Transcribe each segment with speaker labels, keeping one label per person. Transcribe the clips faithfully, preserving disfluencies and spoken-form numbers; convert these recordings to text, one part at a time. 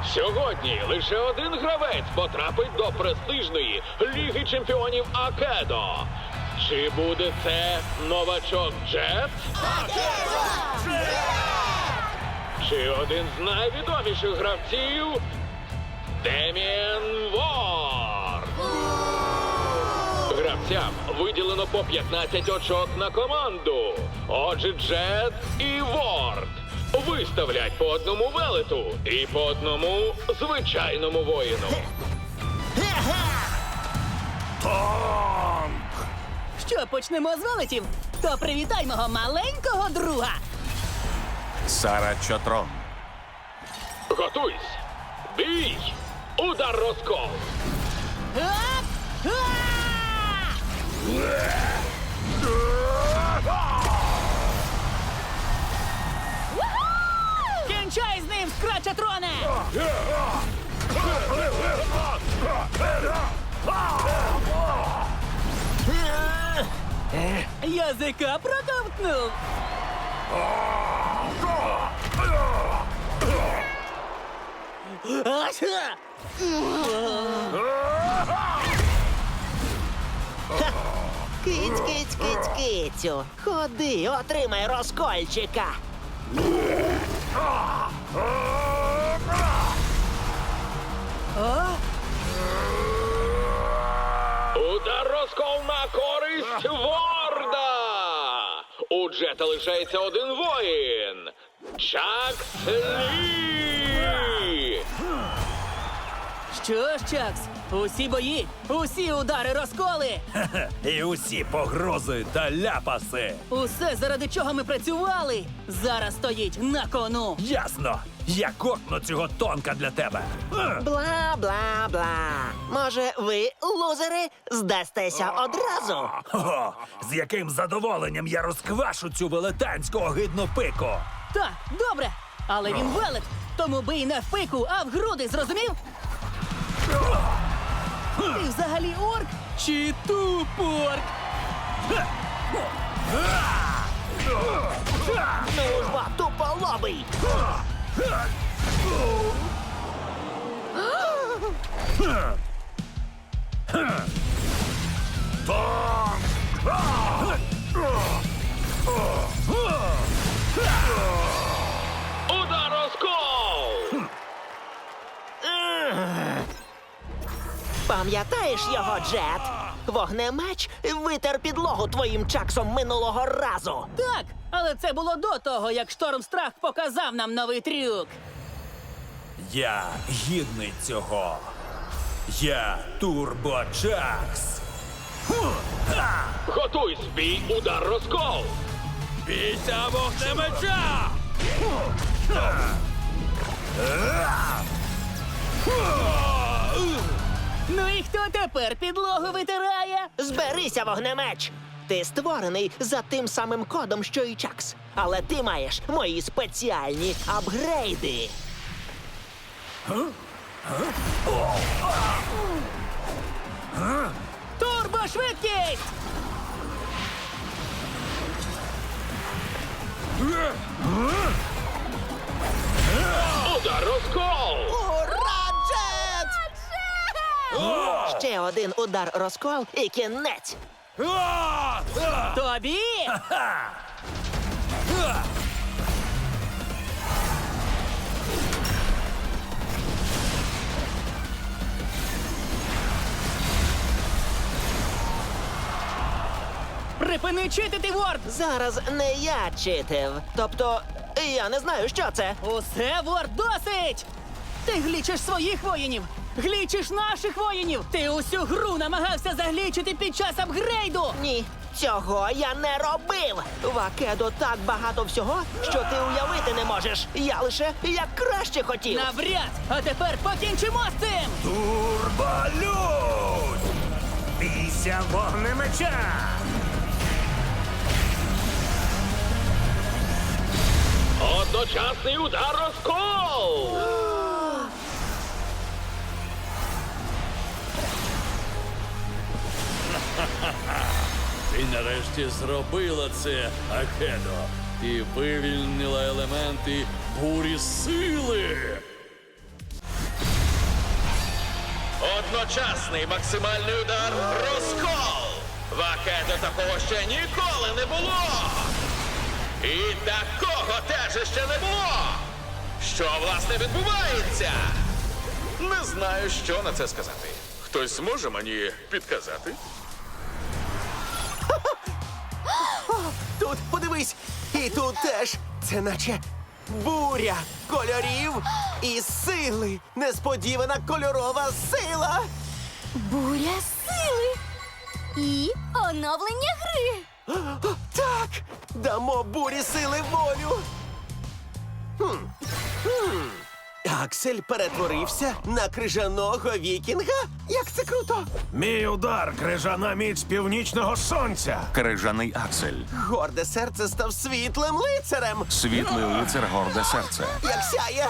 Speaker 1: Сьогодні лише один гравець потрапить до престижної Ліги Чемпіонів Акедо. Чи буде це новачок Джет?
Speaker 2: Акедо!
Speaker 1: Чи один з найвідоміших гравців Деміен Ворд? Гравцям виділено по п'ятнадцять очок на команду. Отже, Джет і Ворд виставлять по одному велету і по одному звичайному воїну.
Speaker 3: Танк!
Speaker 2: Що, почнемо з велетів? То привітай мого маленького друга.
Speaker 3: Сара Чотрон.
Speaker 1: Готуйсь! Бій! Удар розкол!
Speaker 2: Ап! А! Кінчай з ним, Скрачатроне! Язика проковтнув. Ася!
Speaker 4: Киць, киць, киць, кицю. Ходи, отримай розкольчика.
Speaker 1: Удар розкол на користь Ворда! У Джета лишається один воїн. Чакс Лі!
Speaker 2: Що ж, Чакс, усі бої, усі удари розколи.
Speaker 3: І усі погрози та ляпаси.
Speaker 2: Усе, заради чого ми працювали, зараз стоїть на кону.
Speaker 3: Ясно. Я кокну цього тонка для тебе. Е.
Speaker 4: Бла-бла-бла. Може, ви, лузери, здастеся одразу?
Speaker 3: О, з яким задоволенням я розквашу цю велетенську огидну пику.
Speaker 2: Так, добре, але він велет, тому бий не в пику, а в груди, зрозумів? Ти взагалі орк чи тупорк?
Speaker 4: Ну ж бо, туполобий!
Speaker 1: Удар розкол!
Speaker 4: Пам'ятаєш його, Джет? Вогнемеч витер підлогу твоїм чаксом минулого разу.
Speaker 2: Так, але це було до того, як Штормстрах показав нам новий трюк.
Speaker 3: Я гідний цього. Я Турбочакс.
Speaker 1: Готуйсь, бій, удар розкол!
Speaker 3: Бійся вогнемеча!
Speaker 2: Ну і хто тепер підлогу витирає?
Speaker 4: Зберися, вогнемеч! Ти створений за тим самим кодом, що і Чакс. Але ти маєш мої спеціальні апгрейди.
Speaker 2: Турбошвидкість!
Speaker 1: Удар розкол!
Speaker 4: Ура, Джет! Ще один удар розкол і кінець.
Speaker 2: Тобі! Припини читити, Ворд!
Speaker 4: Зараз не я читив. Тобто, я не знаю, що це.
Speaker 2: Усе, Ворд, досить! Ти глічиш своїх воїнів! Глічиш наших воїнів! Ти усю гру намагався заглічити під час апгрейду!
Speaker 4: Ні, цього я не робив. В Акедо так багато всього, що ти уявити не можеш. Я лише як краще хотів.
Speaker 2: Навряд! А тепер покінчимо з цим!
Speaker 3: Турболюд! Бійся вогнемеча!
Speaker 1: Одночасний удар розкол!
Speaker 5: Ти нарешті зробила це, Акедо, і вивільнила елементи бурі сили.
Speaker 1: Одночасний максимальний удар розкол! В Акедо такого ще ніколи не було! І такого теж ще не було! Що, власне, відбувається? Не знаю, що на це сказати. Хтось зможе мені підказати?
Speaker 6: Тут подивись, і тут теж. Це наче буря кольорів і сили. Несподівана кольорова сила.
Speaker 7: Буря сили і оновлення гри.
Speaker 6: О, так, дамо бурі сили волю. Хм. Хм. Аксель перетворився на крижаного вікінга? Як це круто!
Speaker 3: Мій удар, крижана міць північного сонця.
Speaker 8: Крижаний Аксель.
Speaker 6: Горде серце став світлим лицарем.
Speaker 8: Світлий лицар горде серце.
Speaker 6: Як сяє.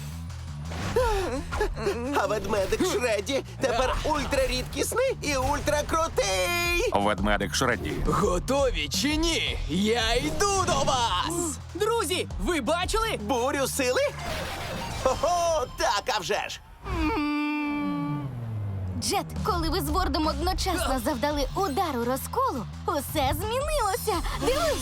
Speaker 6: А ведмедик Шредді тепер ультрарідкісний і ультракрутий.
Speaker 8: Ведмедик Шредді.
Speaker 2: Готові чи ні? Я йду до вас! Друзі, ви бачили?
Speaker 6: Бурю сили? Хо-хо, так, а вже ж.
Speaker 7: Джет, коли ви з Вордом одночасно завдали удару розколу, усе змінилося. Дивись!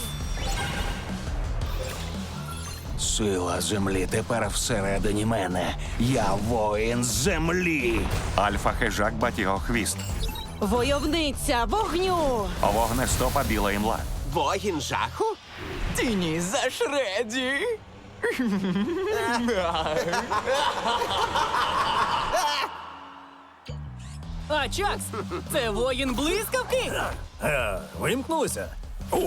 Speaker 8: Сила землі тепер всередині мене. Я воїн землі. Альфа-хижак Батігохвіст.
Speaker 2: Войовниця вогню!
Speaker 8: Вогнестопа біла імла.
Speaker 6: Воїн жаху?
Speaker 2: Тіні за Шредді! А Чакс, це воїн блискавки?
Speaker 3: Е, вимкнулися? О,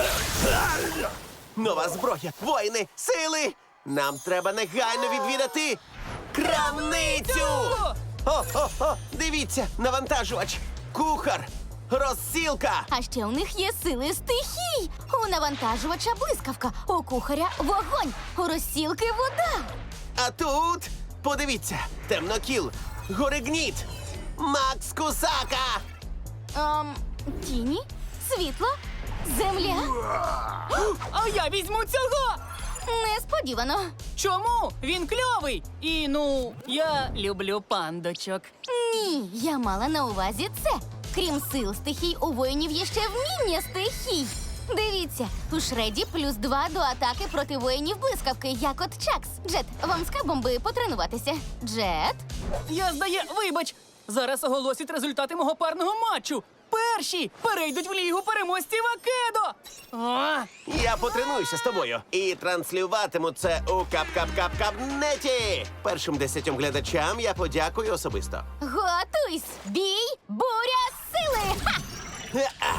Speaker 6: Нова зброя, воїни, сили! Нам треба негайно відвідати крамницю! О-о-о! Дивіться, навантажувач! Кухар! Розсілка!
Speaker 7: А ще у них є сили стихій. У навантажувача блискавка, у кухаря вогонь, у розсілки вода.
Speaker 6: А тут, подивіться, темнокіл, горигніт, Макс Кусака!
Speaker 7: Ем, тіні, світло, земля.
Speaker 2: А я візьму цього!
Speaker 7: Несподівано.
Speaker 2: Чому? Він кльовий! І ну, я люблю пандочок.
Speaker 7: Ні, я мала на увазі це. Крім сил стихій, у воїнів є ще вміння стихій. Дивіться, у Шредді плюс два до атаки проти воїнів блискавки, як от Чакс. Джет, вам з кабом би потренуватися. Джет?
Speaker 2: Я здає, вибач, зараз оголосять результати мого парного матчу. Перші перейдуть в лігу переможців Акедо. А,
Speaker 6: Я потренуюся з тобою і транслюватиму це у кап-кап-кап-кабнеті. Першим десятьом глядачам я подякую особисто.
Speaker 7: Готуйсь! Бій! Буря сили! Ха!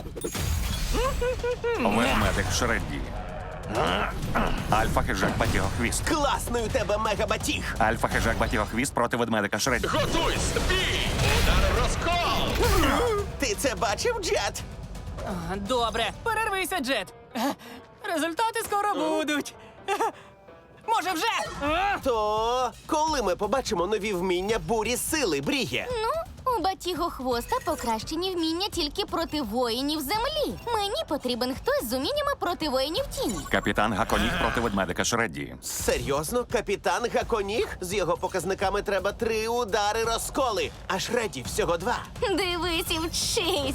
Speaker 8: Ведмедик Шредді. Альфа-хижак Батігохвіст.
Speaker 6: Класний у тебе мегабатіг!
Speaker 8: Альфа-хижак Батігохвіст проти ведмедика Шредді.
Speaker 1: Готуйсь! Бій! Удар розкол!
Speaker 6: Ти це бачив, Джет?
Speaker 2: добре, перервися, Джет. Результати скоро будуть. Може вже? А?
Speaker 6: То коли ми побачимо нові вміння бурі сили, Бріє?
Speaker 7: Ну, у Батіго Хвоста покращені вміння тільки проти воїнів землі. Мені потрібен хтось з уміннями проти воїнів тіні.
Speaker 8: Капітан Гаконіг проти ведмедика Шредді.
Speaker 6: Серйозно, капітан Гаконіг? З його показниками треба три удари розколи, а Шредді всього два.
Speaker 7: Дивись і вчись!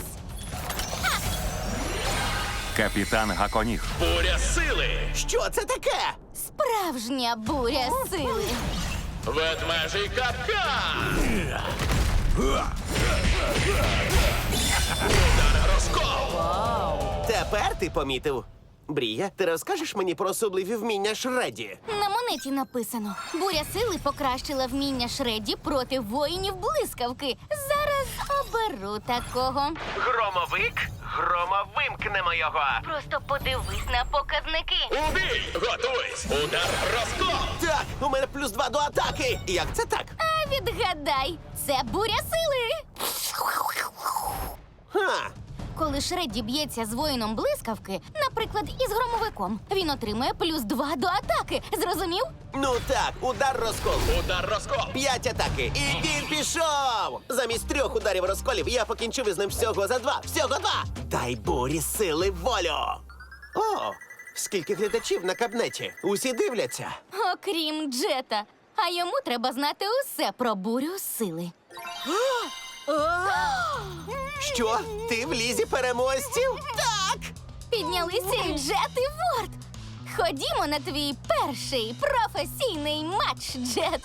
Speaker 8: Капітан Гаконіг.
Speaker 1: Буря сили!
Speaker 6: Що це таке?
Speaker 7: Справжня буря сили.
Speaker 1: Ведмежий капкан! Удар розкол!
Speaker 6: Тепер ти помітив. Брія, ти розкажеш мені про особливі вміння Шредді?
Speaker 7: На монеті написано: буря сили покращила вміння Шредді проти воїнів блискавки. Зараз оберу такого.
Speaker 6: Громовик? Громовимкнемо його.
Speaker 7: Просто подивись на показники.
Speaker 1: У бій! Готуйсь! Удар розкол!
Speaker 6: Так, у мене плюс два до атаки. Як це так?
Speaker 7: А відгадай, це буря сили.
Speaker 6: Ха.
Speaker 7: Коли Шредді б'ється з воїном блискавки, наприклад, із громовиком, він отримує плюс два до атаки. Зрозумів?
Speaker 6: Ну так, удар розкол.
Speaker 1: Удар розкол!
Speaker 6: П'ять атаки. І він пішов! Замість трьох ударів розколів я покінчив із ним всього за два. Всього два! Дай бурі сили волю! О, скільки глядачів на кабнеті. Усі дивляться.
Speaker 7: Окрім Джета. А йому треба знати усе про бурю сили.
Speaker 6: Що? Ти в лізі переможців?
Speaker 4: Так!
Speaker 7: Піднялися і Джет і Ворд. Ходімо на твій перший професійний матч, Джет.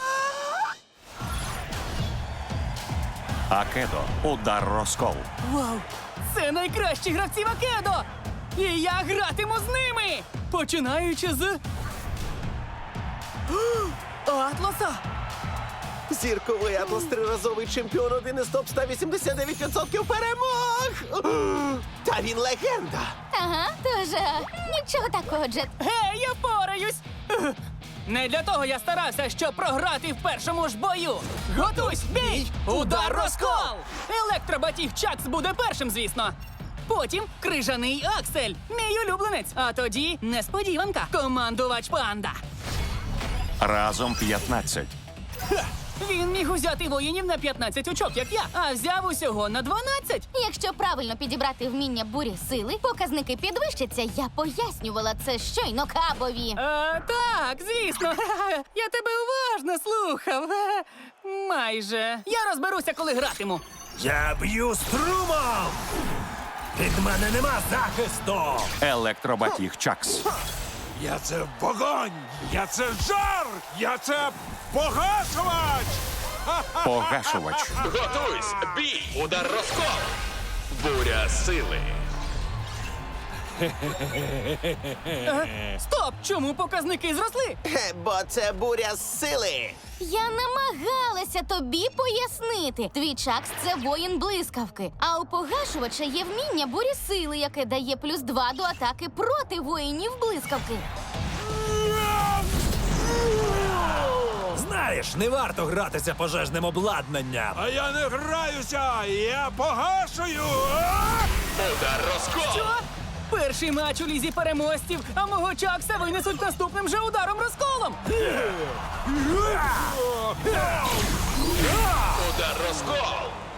Speaker 8: Акедо. Удар розкол.
Speaker 2: Вау! Це найкращі гравці в Акедо! І я гратиму з ними! Починаючи з. О, Атласа!
Speaker 6: Зірковий Атлас триразовий чемпіон, один із топ сто вісімдесят дев'ять відсотків перемог! Та він легенда!
Speaker 7: Ага, тож е, нічого такого, Джет.
Speaker 2: Гей, я пораюсь! Не для того я старався, щоб програти в першому ж бою. Готуйсь, бій! Удар розкол! Електробатіг Чакс буде першим, звісно. Потім крижаний Аксель, мій улюбленець. А тоді несподіванка. Командувач панда.
Speaker 8: Разом п'ятнадцять.
Speaker 2: Ха! Він міг узяти воїнів на п'ятнадцять очок, як я, а взяв усього на дванадцять.
Speaker 7: Якщо правильно підібрати вміння бурі сили, показники підвищаться. Я пояснювала це щойно Кабові.
Speaker 2: А, так, звісно. Я тебе уважно слухав. Майже. Я розберуся, коли гратиму.
Speaker 3: Я б'ю струмом! Від мене нема захисту!
Speaker 8: Електробатіг Чакс.
Speaker 3: Я це вогонь! Я це жар! Я це погашувач!
Speaker 8: Погашувач.
Speaker 1: Готуйсь! Бій! Удар розкол! Буря сили!
Speaker 2: Стоп! Чому показники зросли?
Speaker 6: Хе, бо це буря сили!
Speaker 7: Я намагалася тобі пояснити. Твій Чакс – це воїн блискавки. А у погашувача є вміння бурі сили, яке дає плюс два до атаки проти воїнів блискавки.
Speaker 3: Знаєш, не варто гратися пожежним обладнанням. А я не граюся! Я погашую!
Speaker 1: Удар розкол!
Speaker 2: Що? Перший матч у лізі переможців, а мого Чакса винесуть наступним же ударом розколом.
Speaker 1: Удар розкол!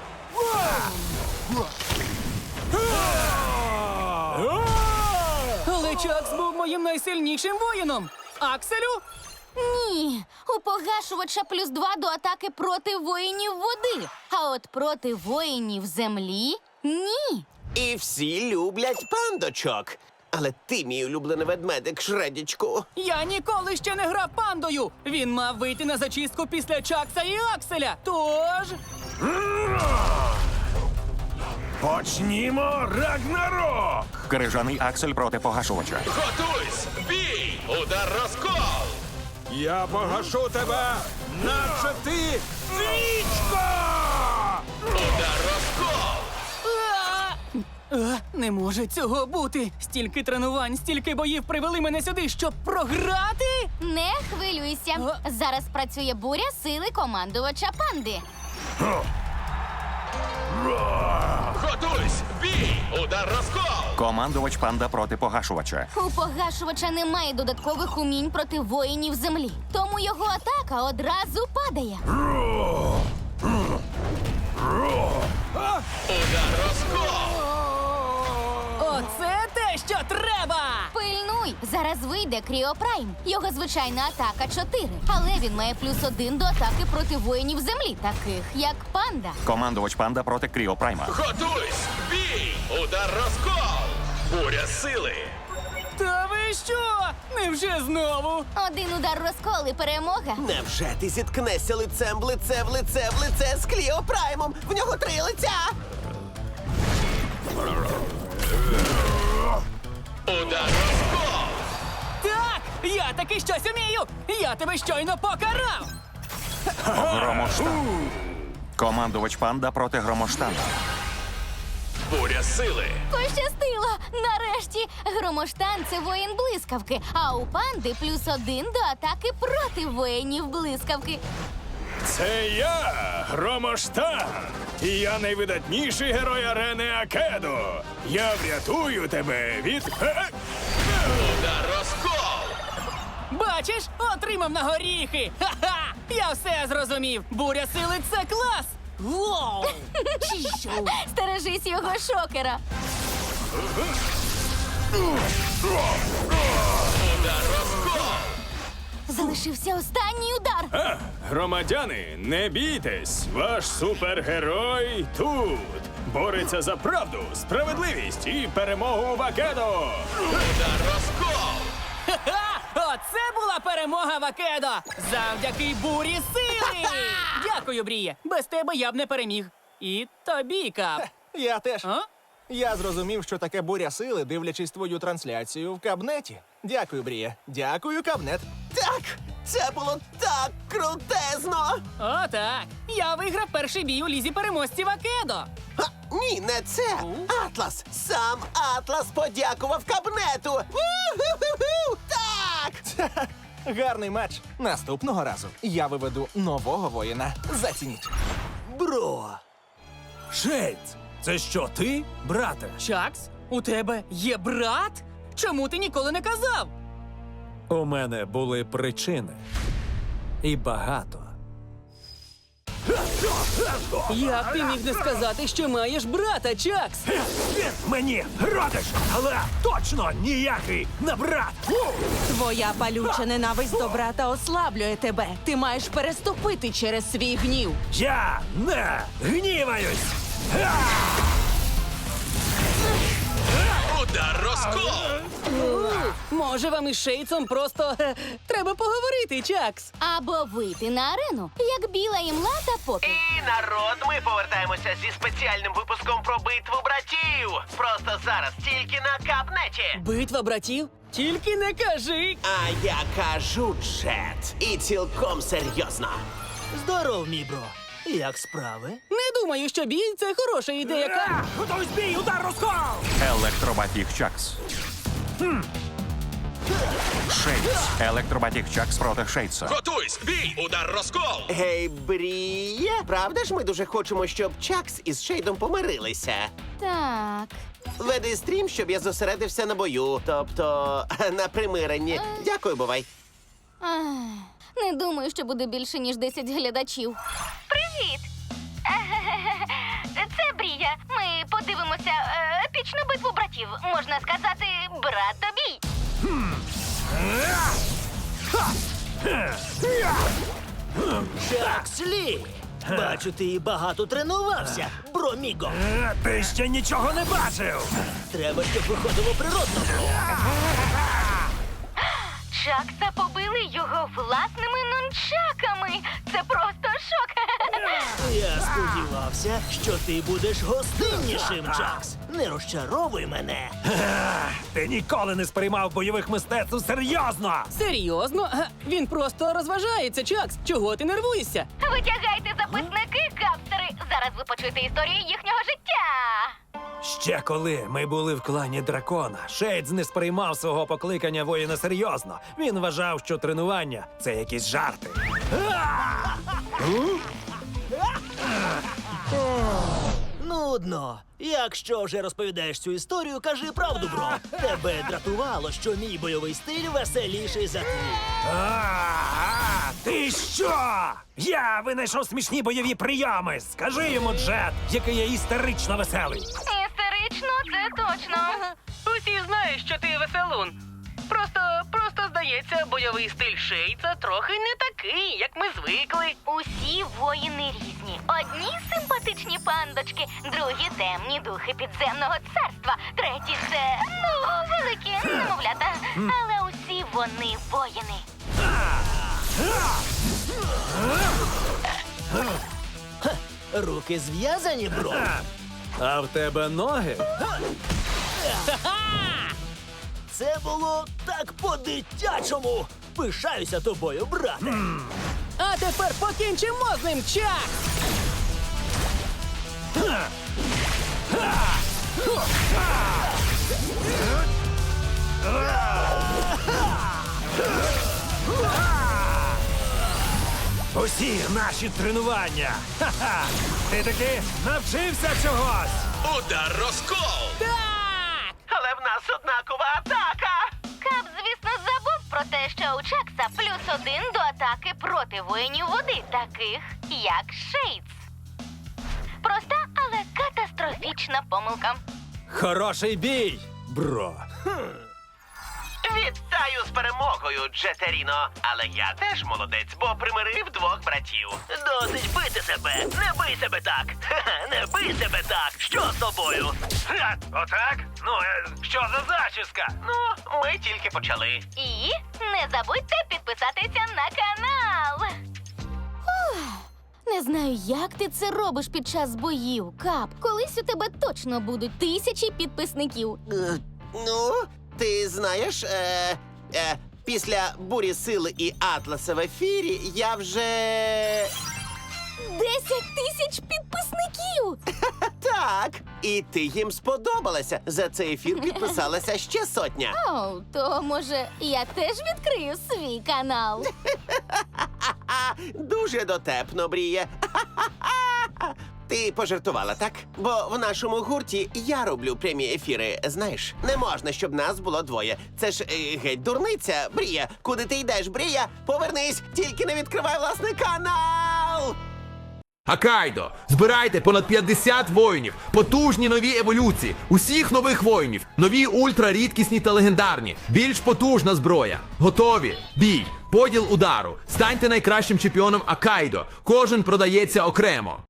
Speaker 2: Але Чакс був моїм найсильнішим воїном. Акселю?
Speaker 7: Ні, у погашувача плюс два до атаки проти воїнів води. А от проти воїнів землі – ні.
Speaker 6: І всі люблять пандочок. Але ти, мій улюблений ведмедик, Шредічку.
Speaker 2: Я ніколи ще не грав пандою. Він мав вийти на зачистку після Чакса і Акселя. Тож.
Speaker 3: Почнімо Рагнарок!
Speaker 8: Крижаний Аксель проти погашувача.
Speaker 1: Готуйсь! Бій! Удар розкол!
Speaker 3: Я погашу тебе, наче ти свічка!
Speaker 1: Удар розкол!
Speaker 2: А! А, не може цього бути. Стільки тренувань, стільки боїв привели мене сюди, щоб програти.
Speaker 7: Не хвилюйся.
Speaker 2: А?
Speaker 7: Зараз працює буря сили командувача панди.
Speaker 1: Готуйсь! Бій! Удар розкол!
Speaker 8: Командувач панда проти погашувача.
Speaker 7: У погашувача немає додаткових умінь проти воїнів землі. Тому його атака одразу падає.
Speaker 1: Удар розкол!
Speaker 2: Оце те, що треба.
Speaker 7: Пильнуй! Зараз вийде Кріопрайм. Його звичайна атака чотири. Але він має плюс один до атаки проти воїнів землі, таких як панда.
Speaker 8: Командувач панда проти Кріопрайма.
Speaker 1: Готуйсь! Бій! Удар розкол! Буря сили!
Speaker 2: Та ви що? Невже знову?
Speaker 7: Один удар розкол і перемога.
Speaker 6: Невже ти зіткнешся лицем в лице в лице в лице з Кліо Праймом? В нього три лиця!
Speaker 1: Удар розкол!
Speaker 2: Так, я таки щось умію. Я тебе щойно покарав.
Speaker 8: Громоштан. Командувач панда проти громоштана.
Speaker 1: Буря сили!
Speaker 7: Пощастило! Нарешті Громоштан – це воїн блискавки, а у панди плюс один до атаки проти воїнів блискавки.
Speaker 9: Це я, Громоштан, і я найвидатніший герой арени Акедо. Я врятую тебе від... Е,
Speaker 1: Удар розкол!
Speaker 2: Бачиш, отримав на горіхи. Ха-ха! Я все зрозумів. Буря сили – це клас. Воу!
Speaker 7: Стережись його шокера.
Speaker 1: Удар розкол!
Speaker 7: Залишився останній удар.
Speaker 9: А, громадяни, не бійтесь! Ваш супергерой тут! Бореться за правду, справедливість і перемогу Вакедо!
Speaker 1: Удар розкол!
Speaker 2: Ха! Оце була перемога Вакедо! Завдяки бурі сили! Дякую, Бріє! Без тебе я б не переміг. І тобі, Кап.
Speaker 10: Я теж.
Speaker 2: А?
Speaker 10: Я зрозумів, що таке буря сили, дивлячись твою трансляцію в кабнеті. Дякую, Брія. Дякую, кабнет.
Speaker 6: Так! Це було так крутезно!
Speaker 2: О, так. Я виграв перший бій у лізі переможців Вакедо.
Speaker 6: Ха, ні, не це! Атлас! Сам Атлас подякував кабнету! У-ху-ху-ху! Так!
Speaker 10: Гарний матч. Наступного разу я виведу нового воїна. Зацініть.
Speaker 6: Бро!
Speaker 3: Шейдс, це що, ти, брате?
Speaker 2: Чакс, у тебе є брат? Чому ти ніколи не казав?
Speaker 3: У мене були причини. І багато.
Speaker 2: Як ти міг не сказати, що маєш брата, Чакс?
Speaker 3: Він мені родич, але точно ніякий не брат.
Speaker 11: Твоя палюча ненависть до брата ослаблює тебе. Ти маєш переступити через свій гнів.
Speaker 3: Я не гніваюсь.
Speaker 1: Удар розкол!
Speaker 2: Може, вам із Шейцом просто е, треба поговорити, Чакс?
Speaker 7: Або вийти на арену, як біла імла та попі.
Speaker 6: І народ, ми повертаємося зі спеціальним випуском про битву братів. Просто зараз, тільки на кабнеті.
Speaker 2: Битва братів? Тільки не кажи.
Speaker 6: А я кажу, Джет. І цілком серйозно.
Speaker 4: Здоров, мій бро. Як справи?
Speaker 2: Не думаю, що бій це хороша ідея. Кап.
Speaker 3: Готовий бій, удар розкол!
Speaker 8: Електробатіг Чакс. Шейдс. Електробатіг Чакс проти Шейдса.
Speaker 1: Готуйсь! Бій! Удар розкол!
Speaker 6: Гей, Бріє, правда ж ми дуже хочемо, щоб Чакс із Шейдом помирилися?
Speaker 7: Так.
Speaker 6: Веди стрім, щоб я зосередився на бою, тобто на примиренні. Дякую, бувай.
Speaker 7: Ах, не думаю, що буде більше, ніж десять глядачів. Привіт! Це Брія. Ми подивимося е, епічну битву братів. Можна сказати, брат-тобій.
Speaker 4: Чакс Лі! Бачу, ти багато тренувався, бро Міго.
Speaker 3: Е, Ти ще нічого не бачив!
Speaker 4: Треба, щоб виходило природно, бро.
Speaker 7: Чакса побили його власними нунчаками. Це просто шок.
Speaker 4: Я сподівався, що ти будеш гостиннішим, Чакс. Не розчаровуй мене.
Speaker 3: Ти ніколи не сприймав бойових мистецтв серйозно!
Speaker 2: Серйозно? Га, Він просто розважається, Чакс. Чого ти нервуєшся?
Speaker 7: Витягайте записники, капстери. Зараз ви почуєте історію їхнього життя.
Speaker 3: Ще коли ми були в клані дракона, Шейдс не сприймав свого покликання воїна серйозно. Він вважав, що тренування це якісь жарти.
Speaker 4: Нудно. Якщо вже розповідаєш цю історію, кажи правду, бро. Тебе дратувало, що мій бойовий стиль веселіший за твій.
Speaker 3: А, ти що? Я винайшов смішні бойові прийоми. Скажи йому, Джет, який я істерично веселий.
Speaker 7: Істерично, це точно.
Speaker 2: Усі знають, що ти веселун. Просто, просто здається, бойовий стиль Шейца трохи не такий, як ми звикли.
Speaker 7: Усі воїни різні. Одні симпатичні пандочки, другі темні духи підземного царства, треті це, ну, великі немовлята. Але усі вони воїни.
Speaker 4: Руки зв'язані, бро.
Speaker 3: А в тебе ноги?
Speaker 4: Це було так по-дитячому. Пишаюся тобою, брате.
Speaker 2: А тепер покінчимо з ним, Чакс!
Speaker 3: Усі наші тренування. Ха-ха! Ти таки навчився чогось.
Speaker 1: Удар розкол!
Speaker 2: Так!
Speaker 6: Але в нас однакова атака.
Speaker 7: Кап, звісно, забув про те, що у Чакса плюс один до атаки проти воїнів води, таких як Шейдс. Проста, але катастрофічна помилка.
Speaker 3: Хороший бій, бро.
Speaker 6: Вітаю з перемогою, Джетеріно. Але я теж молодець, бо примирив двох братів. Досить бити себе. Не бий себе так. Ха-ха, не бий себе так. Що з тобою? Ха, отак? Ну, е, що за зачіска? Ну, ми тільки почали.
Speaker 7: І не забудьте підписатися на канал. Ух, не знаю, як ти це робиш під час боїв, Кап. Колись у тебе точно будуть тисячі підписників.
Speaker 6: Е, ну, ти знаєш, е, е, після бурі сили і Атласа в ефірі я вже.
Speaker 7: Десять тисяч підписників!
Speaker 6: Так. І ти їм сподобалася. За цей ефір підписалася ще сотня.
Speaker 7: О, то може я теж відкрию свій канал.
Speaker 6: А, дуже дотепно, Бріє. Ти пожартувала, так? Бо в нашому гурті я роблю прямі ефіри. Знаєш, не можна, щоб нас було двоє. Це ж е, геть дурниця, Брія. Куди ти йдеш, Брія? Повернись, тільки не відкривай власний канал!
Speaker 12: Акайдо! Збирайте понад п'ятдесят воїнів, потужні нові еволюції, усіх нових воїнів, нові ультрарідкісні та легендарні, більш потужна зброя. Готові? Бій! Поділ удару. Станьте найкращим чемпіоном Акайдо. Кожен продається окремо.